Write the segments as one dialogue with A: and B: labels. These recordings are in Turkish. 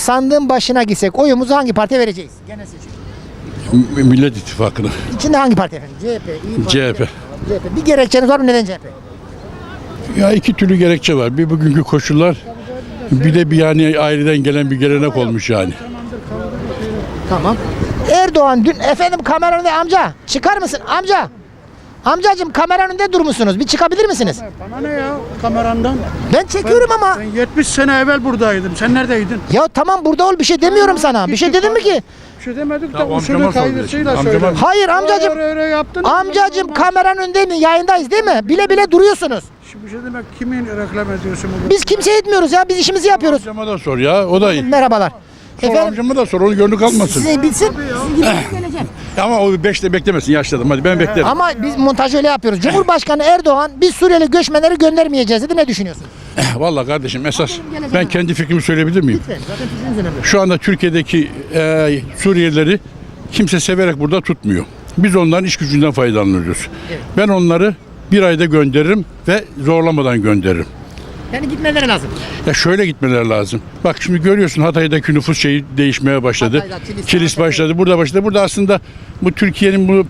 A: sandığın başına gitsek oyumuzu hangi partiye vereceğiz? Genel seçim.
B: Millet İttifakı'na.
A: İçinde hangi parti efendim? CHP, İYİ Parti.
B: CHP.
A: CHP. Bir gerekçeniz var mı? Neden CHP?
B: Ya iki türlü gerekçe var. Bir bugünkü koşullar, bir de bir yani aileden gelen bir gelenek olmuş yani.
A: Tamam. Erdoğan dün efendim kamera önünde amca çıkar mısın amca? Amcacığım kamera önünde durmuşsunuz. Bir çıkabilir misiniz?
C: Bana ne ya kamerandan?
A: Ben çekiyorum ama.
C: Ben 70 sene evvel buradaydım. Sen neredeydin?
A: Ya tamam burada ol bir şey demiyorum sana. Bir şey dedim mi ki?
C: Bir şey demedik de
B: Tamam,
C: usulü
B: amcama
C: kaydısıyla
B: sor.
C: söyle.
A: Hayır amcacığım.
C: Öyle yaptın.
A: Amcacığım kameranın önünde yayındayız değil mi? Bile bile duruyorsunuz.
C: Şimdi bir şey demek kimin reklam ediyorsun bunu?
A: Biz kimseye etmiyoruz ya. Biz işimizi yapıyoruz.
B: Amcama da sor ya, o da iyi.
A: Merhabalar.
B: Sor
A: Efendim
B: amcama da sor, onu gönlü kalmasın.
A: size bilsin. Sizin gibi geleceğim.
B: Ama o 5'te beklemesin, yaşladım, hadi ben beklerim.
A: Ama biz montaj öyle yapıyoruz. Cumhurbaşkanı Erdoğan biz Suriyeli göçmenleri göndermeyeceğiz dedi. Ne düşünüyorsun?
B: Vallahi kardeşim esas ben kendi fikrimi söyleyebilir miyim?
A: Lütfen. Zaten fikriniz önemli.
B: Şu anda Türkiye'deki Suriyelileri kimse severek burada tutmuyor. Biz onların iş gücünden faydalanıyoruz. Ben onları bir ayda gönderirim ve zorlamadan gönderirim.
A: Yani gitmeleri lazım.
B: Ya şöyle gitmeleri lazım. Bak şimdi görüyorsun Hatay'daki nüfus şeyi değişmeye başladı.
A: Hatay'da,
B: Kilis başladı, burada başladı. Burada aslında bu Türkiye'nin bu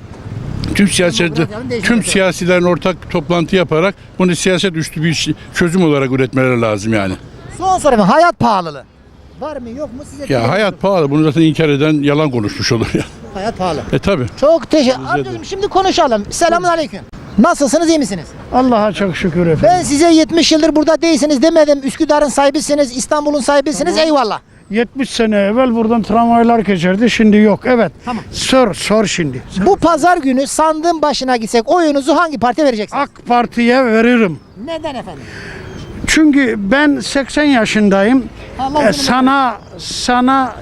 B: tüm siyasilerin ortak toplantı yaparak bunu siyaset üstü bir çözüm olarak üretmeleri lazım yani.
A: Son soru efendim. Hayat pahalılığı. Var mı yok mu size?
B: Ya hayat pahalı. Bunu zaten inkar eden yalan konuşmuş olur ya.
A: Hayat pahalı.
B: Tabii.
A: Çok teşekkür ederim. Şimdi konuşalım. Selamun aleyküm. Nasılsınız, iyi misiniz?
C: Allah'a çok şükür efendim.
A: Ben size 70 yıldır burada değilsiniz demedim. Üsküdar'ın sahibisiniz, İstanbul'un sahibisiniz. Eyvallah.
C: 70 sene evvel buradan tramvaylar geçerdi. Şimdi yok. Evet.
A: Tamam.
C: Sor şimdi.
A: Bu pazar günü sandığın başına gitsek oyunuzu hangi partiye vereceksiniz?
C: AK Parti'ye veririm.
A: Neden efendim?
C: Çünkü ben 80 yaşındayım.
A: Allah uzun ömür
C: Sana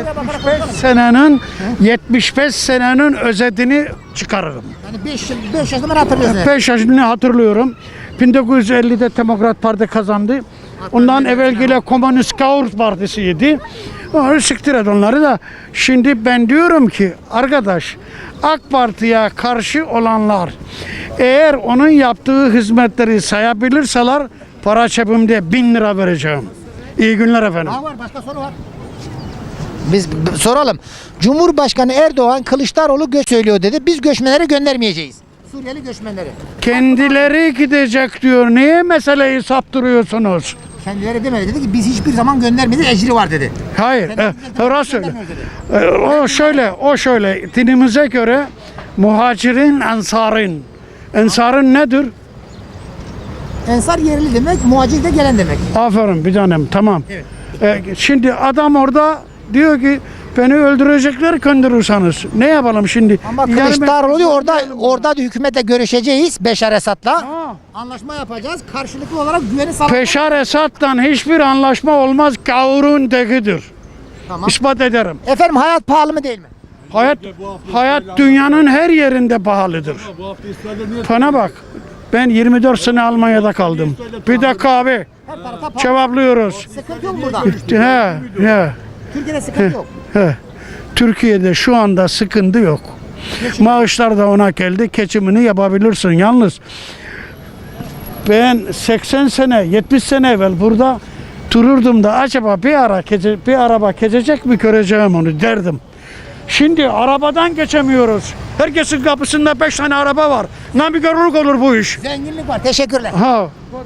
C: 75 senenin özetini çıkarırım.
A: Yani 5 yaşından hatırlıyorsunuz.
C: 5 yaşını hatırlıyorum. 1950'de Demokrat Parti kazandı. Ondan evvelkiyle Komünist Gavur Partisi'ydi. Siktir et onları da. Şimdi ben diyorum ki arkadaş AK Parti'ye karşı olanlar eğer onun yaptığı hizmetleri sayabilirseler para cebimde 1000 lira vereceğim. İyi günler efendim.
A: Var başka soru var. Biz soralım. Cumhurbaşkanı Erdoğan Kılıçdaroğlu göç söylüyor dedi. Biz göçmenleri göndermeyeceğiz. Suriyeli göçmenleri.
C: Kendileri gidecek diyor. Niye meseleyi saptırıyorsunuz?
A: Kendileri demedi. Dedi ki biz hiçbir zaman göndermedik. Ecri var dedi.
C: Hayır. Orası öyle.
A: Göndermiyoruz
C: O şöyle. Dinimize göre muhacirin, ensarın. Ensarın nedir?
A: Ensar yerli demek, muhacir de gelen demek.
C: Aferin bir tanem. Tamam.
A: Evet.
C: Şimdi adam orada diyor ki beni öldürecekler gönderirseniz. Ne yapalım şimdi?
A: Ama
C: Yani
A: Kılıçdaroğlu diyor orada da hükümetle görüşeceğiz Beşar Esad'la.
C: Ha.
A: Anlaşma yapacağız. Karşılıklı olarak güveni sağlamak.
C: Beşar Esad'dan hiçbir anlaşma olmaz. Gavurun tekidir.
A: Tamam.
C: İspat ederim.
A: Efendim hayat pahalı mı değil mi?
C: Hayat dünyanın her yerinde pahalıdır. Bana bak. Ben 24 sene Almanya'da kaldım. Bir dakika abi.
A: Her tarafta pahalı.
C: Cevaplıyoruz.
A: Sıkıntı yok burada.
C: He.
A: Türkiye'de sıkıntı yok.
C: Türkiye'de şu anda sıkıntı yok. Maaşlar da ona geldi. Geçimini yapabilirsin. Yalnız ben 80 sene, 70 sene evvel burada dururdum da acaba bir araba geçecek mi göreceğim onu derdim. Şimdi arabadan geçemiyoruz. Herkesin kapısında 5 tane araba var. Nankörlük olur bu iş.
A: Zenginlik var. Teşekkürler.
C: Ha.